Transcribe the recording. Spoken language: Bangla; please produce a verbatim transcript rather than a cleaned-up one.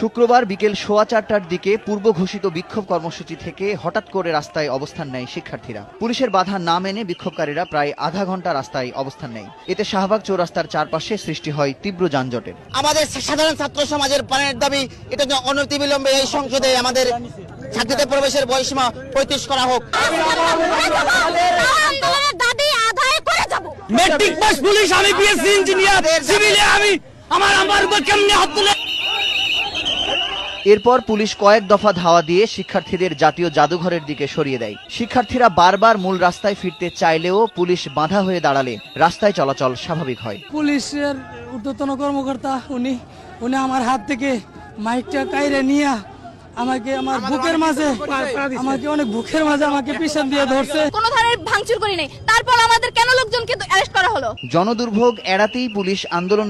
শুক্রবার বিকেল সোয়া চারটার দিকে পূর্ব ঘোষিত বিক্ষোভ কর্মসূচি থেকে হঠাৎ করে রাস্তায় অবস্থান নেয় শিক্ষার্থীরা। পুলিশের বাধা না মেনে বিক্ষোভকারীরা প্রায় আধা ঘন্টা রাস্তায় অবস্থান নেয়। এতে শাহবাগ চৌরাস্তার চারপাশে সৃষ্টি হয় তীব্র যানজটের। আমাদের সাধারণ ছাত্র সমাজের প্রাণের দাবি, এটা অনতিবিলম্বে এই সংসদে আমাদের ছাত্রীদের প্রবেশের বয়সীমা পঁয়ত্রিশ করা হোক। মেট্রিক পাস পুলিশ, আমি বিএসসি ইঞ্জিনিয়ার, সিভিলে আমি আমার আমার উপর কেমনে হাত তুলে। এরপর পুলিশ কয়েক দফা ধাওয়া দিয়ে শিক্ষার্থীদের জাতীয় জাদুঘরের দিকে সরিয়ে দেয়। শিক্ষার্থীরা বারবার মূল রাস্তায় ফিরতে চাইলেও পুলিশ বাধা হয়ে দাঁড়ালে রাস্তায় চলাচল স্বাভাবিক হয়। পুলিশের ঊর্ধ্বতন কর্মকর্তা উনি উনি আমার হাত থেকে মাইকটা কাইরে নিয়ে আমাকে আমার বুকের মাঝে আমাকে অনেক বুকের মাঝে আমাকে পিছন দিয়ে ধরছে। কোনো ধরনের ভাঙচুর করি নাই, তারপর আমাদের কেন লোকজনকে অ্যারেস্ট করা হলো? জনদুর্ভোগ এড়াতেই পুলিশ আন্দোলন